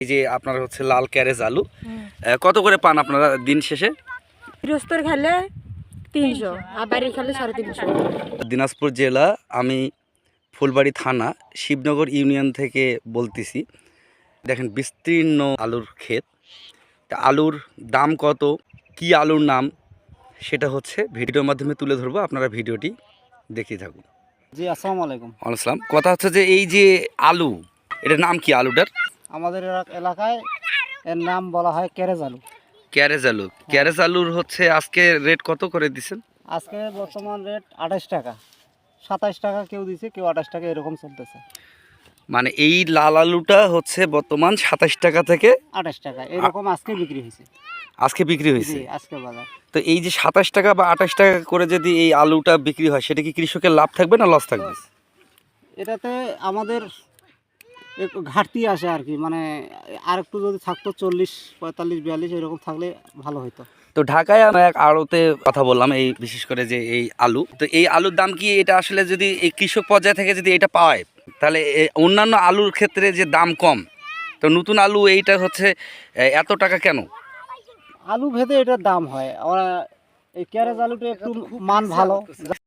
এই যে আপনার হচ্ছে লাল ক্যারেজ আলু কত করে পান আপনারা দিন শেষে? গৃহস্থর খেলে 300 আর বাড়ির খেলে 350। দিনাজপুর জেলা, আমি ফুলবাড়ি থানা, শিবনগর ইউনিয়ন থেকে বলতেছি। দেখেন বিস্তীর্ণ আলুর ক্ষেত। তা আলুর দাম কত, কি আলুর নাম, সেটা হচ্ছে ভিডিওর মাধ্যমে তুলে ধরবো। আপনারা ভিডিওটি দেখতে থাকুন। জি, আসসালামু আলাইকুম। আসসালাম। কথা হচ্ছে যে এই যে আলু, এটার নাম কি আলুটার? আমাদের এলাকায় এর নাম বলা হয় ক্যারেজ আলু। ক্যারেজ আলু। ক্যারেজ আলুর হচ্ছে আজকে রেট কত করে দিচ্ছেন? আজকে বর্তমান রেট 28 টাকা, 27 টাকা কেউ দিছে, কেউ 28 টাকা, এরকম চলতেছে। মানে এই লাল আলুটা হচ্ছে বর্তমান 27 টাকা থেকে 28 টাকা এরকম আজকে বিক্রি হয়েছে। আজকে বিক্রি হয়েছে। জি, আজকে বাজার। তো এই যে 27 টাকা বা 28 টাকা করে যদি এই আলুটা বিক্রি হয়, সেটা কি কৃষকের লাভ থাকবে না লস থাকবে? এটাতে আমাদের একটু ঘাটতি আসে আর কি, মানে আর একটু যদি থাকতো 40, 45, 42 এরকম থাকলে ভালো হতো। তো ঢাকায় আমরা এক আড়তে কথা বললাম, এই বিশেষ করে যে এই আলু, তো এই আলুর দাম কি এটা আসলে যদি এই কৃষক পর্যায় থেকে যদি এটা পায়, তাহলে অন্যান্য আলুর ক্ষেত্রে যে দাম কম, তো নতুন আলু এইটা হচ্ছে এত টাকা কেন? আলু ভেদে এটার দাম হয়। এই ক্যারেজ আলুটা একটু মান ভালো।